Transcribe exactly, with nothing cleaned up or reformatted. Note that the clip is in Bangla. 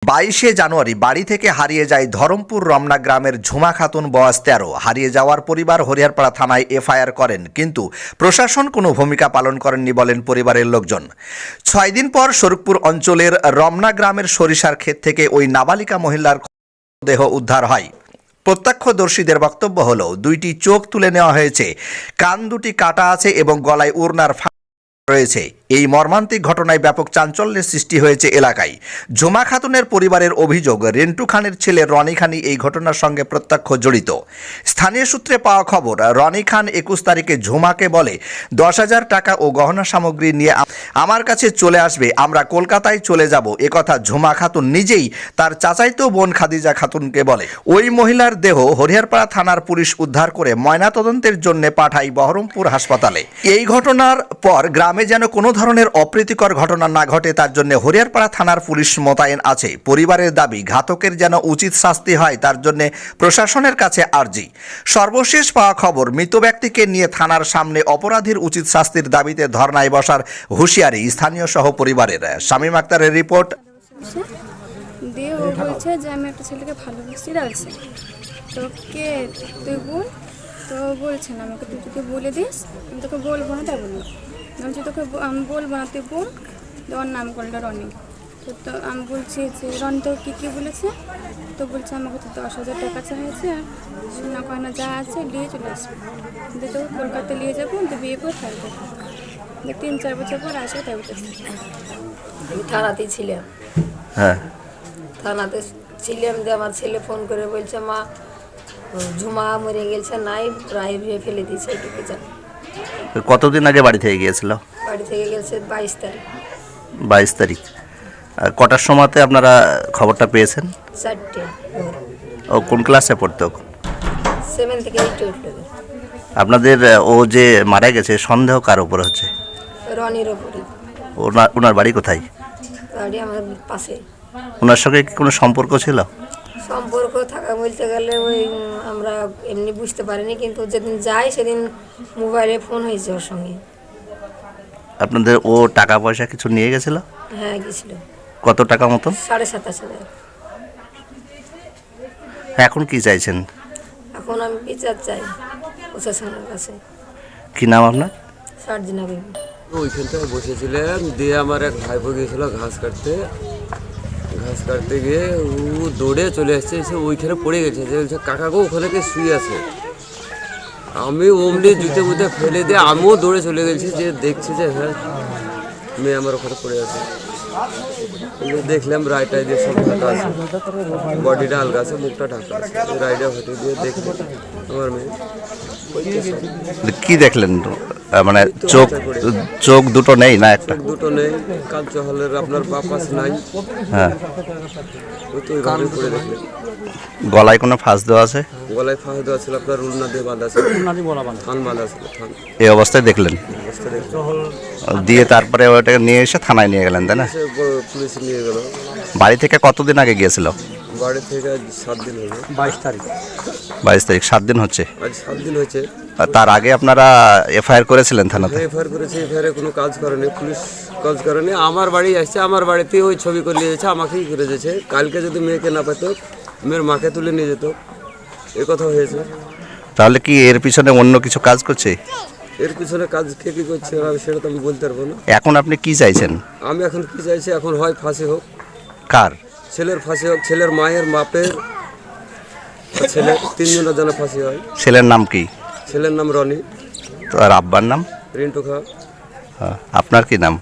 বাইশে জানুয়ারি বাড়ি থেকে হারিয়ে যায় ধরমপুর রমনা গ্রামের ঝুমা খাতুন বয়স তেরো। হারিয়ে যাওয়ার পরিবার হরিহরপাড়া থানায় এফআইআর করেন, কিন্তু প্রশাসন কোনো ভূমিকা পালন করেননি বলেন পরিবারের লোকজন। ছয় দিন পর শরীফপুর অঞ্চলের রমনা গ্রামের সরিষার ক্ষেত থেকে ওই নাবালিকা মহিলার দেহ উদ্ধার হয়। প্রত্যক্ষদর্শীদের বক্তব্য হলো, দুইটি চোখ তুলে নেওয়া হয়েছে, কান দুটি কাটা আছে এবং গলায় উড়নার রয়েছে। এই মর্মান্তিক ঘটনায় ব্যাপক চাঞ্চল্যের সৃষ্টি হয়েছে এলাকায়। ঝুমা খাতুনের পরিবারের অভিযোগ, রেন্টু খানের ছেলে রনি খানই এই ঘটনার সঙ্গে প্রত্যক্ষ জড়িত। স্থানীয় সূত্রে পাওয়া খবর, রনি খান একুশ তারিখে ঝুমাকে বলে দশ হাজার টাকা ও গহনা সামগ্রী নিয়ে আমার কাছে চলে আসবে, আমরা কলকাতায় চলে যাব। একথা ঝুমা খাতুন নিজেই তার চাচাইতো বোন খাদিজা খাতুনকে বলে। ওই মহিলার দেহ হরিহরপাড়া থানার পুলিশ উদ্ধার করে ময়নাতদন্তের জন্য পাঠায় বহরমপুর হাসপাতালে। এই ঘটনার পর গ্রামে যেন কোনো ধরনের অপ্রীতিকর ঘটনা না ঘটে, তার জন্য হরিহরপাড়া থানার পুলিশ মোতায়েন আছে। পরিবারের দাবি, ঘাতকের যেন উচিত শাস্তি হয়, তার জন্য প্রশাসনের কাছে আর্জি। সর্বশেষ পাওয়া খবর, মৃত ব্যক্তিকে নিয়ে থানার সামনে অপরাধীর উচিত শাস্তির দাবিতে ধর্নায় বসার হুঁশিয়ারি স্থানীয় সহ পরিবারের। শামীম আক্তারের রিপোর্ট। দিয়ে ও বলছে যে আমি একটা ছেলেকে ভালোবাসি রাখছি, তো কে তুই বল। তো বলছে না আমাকে, তুই তোকে বলে দিস, আমি তোকে বলবো না। তাই বললো, আমি তোকে আমি বলবো না, তুই বোন। ওর নাম করলো রনি। তো তো আমি বলছি যে রনি তো কী কী বলেছে, তো বলছে আমাকে তো দশ হাজার টাকা চাইছে, আর সোনা গয়না যা আছে নিয়ে চলে আসবে, দিয়ে তোকে কলকাতায় নিয়ে যাবো, তো বিয়ে করে থাকবে, যে তিন চার বছর পর আসবে। তাই বলতেছে। আমি থানাতেই ছিলাম। হ্যাঁ, থানাতে ছিলাম দিয়ে আমার ছেলে ফোন করে বলছে, মা ঝুমা মরে গেছে, নাই প্রায় ভেবে ফেলে দিয়েছে, এইটুকু জানি। কতদিন আগে বাড়ি থেকে গিয়েছিল? বাড়ি থেকে গেছে বাইশ তারিখ। বাইশ তারিখ। কটার সময়তে আপনারা খবরটা পেয়েছেন? চারটে। ও কোন ক্লাসে পড়তো? সেভেন থেকে এইটে উঠলো। আপনাদের ও যে মারা গেছে, সন্দেহ কার উপর হচ্ছে? রনির ওপরে। ওনার ওনার বাড়ি কোথায়? বাড়ি আমার পাশে। ওনার সঙ্গে কি কোনো সম্পর্ক ছিল? সম্পর্ক থাকা বলতে গেলে ওই আমরা এমনি বুঝতে পারিনি, কিন্তু যেদিন যাই সেদিন মোবাইলে ফোন হয়েছে ওর সঙ্গে। আপনাদের ও টাকা পয়সা কিছু নিয়ে গেছিল? হ্যাঁ, গেছিল। কত টাকা মতন? সাড়ে সাতাশ হাজার। এখন কি চাইছেন? এখন আমি বিচার চাই প্রশাসনের কাছে। কি নাম আপনার? সার্জিনা বেবি। ওইখানটায় বসেছিলাম, দিয়ে আমার এক ভাইপো গিয়েছিল ঘাস কাটতে। ঘাস কাটতে গিয়ে ও দৌড়ে চলে এসছে, এসে ওইখানে পড়ে গেছে। যে বলছে কাকাকে ওখানে কে শুয়ে আছে। আমি অমনি জুতে বুতে ফেলে দিয়ে আমিও দৌড়ে চলে গেছি, যে দেখছি যে হ্যাঁ মেয়ে আমার ওখানে পড়ে আছে। দেখলাম রাইটাই দিয়ে সব ঢাকা আছে, বডিটা আলগা আছে, মুখটা ঢাকা আছে। রাইডা হটে দিয়ে দেখলাম আমার মেয়ে। কি দেখলেন? মানে চোখ চোখ দুটো নেই না? একটা দুটো নেই, কালচা হলের আপনার বাপাস নাই। হ্যাঁ, ওই তো ওইভাবে পড়ে দেখলেন। গলায় কোনো ফাঁস দেওয়া আছে? গলায় ফাঁস দেওয়া ছিল, আপনার উলনা দিয়ে বাঁধা ছিল, থান বাঁধা ছিল। থান এই অবস্থায় দেখলেন? অবস্থা দেখলাম। দিয়ে তারপরে ওটাকে নিয়ে এসে থানায় নিয়ে গেলেন, তাই না? সে পুলিশ নিয়ে গেল। বাড়ি থেকে কতদিন আগে গিয়েছিল? বাড়ি থেকে সাত দিন হলো। বাইশ তারিখ। বাইশ তারিখ, সাত দিন হচ্ছে। আজ সাত দিন হয়েছে। আর তার আগে আপনারা এফআইআর করেছিলেন থানাতে? এফআইআর করেছে, এফআইআরে কোনো কাজ করেনি, পুলিশ কাজ করেনি। আমার বাড়ি আসছে, আমার বাড়িতে ওই ছবি করে নিয়ে যাচ্ছে, আমাকেই করে দিয়েছে। কালকে যদি মেয়েকে না পেত, মেয়ের মাকে তুলে নিয়ে যেত, এ কথা হয়েছে। তাহলে কি এর পিছনে অন্য কিছু কাজ করছে? এর পিছনে কাজ কে কী করছে আমি সেটা তো আমি বলতে পারবো না। এখন আপনি কি চাইছেন? আমি এখন কি চাইছি, এখন হয় ফাঁসি হোক। কার? ছেলের ফাঁসি হোক, ছেলের মায়ের, বাপের, ছেলে, তিনজনের যেন ফাঁসি হয়। ছেলের নাম কি? ছেলের নাম রনি। আর আব্বার নাম? রিন্টু খা। আপনার কি নাম?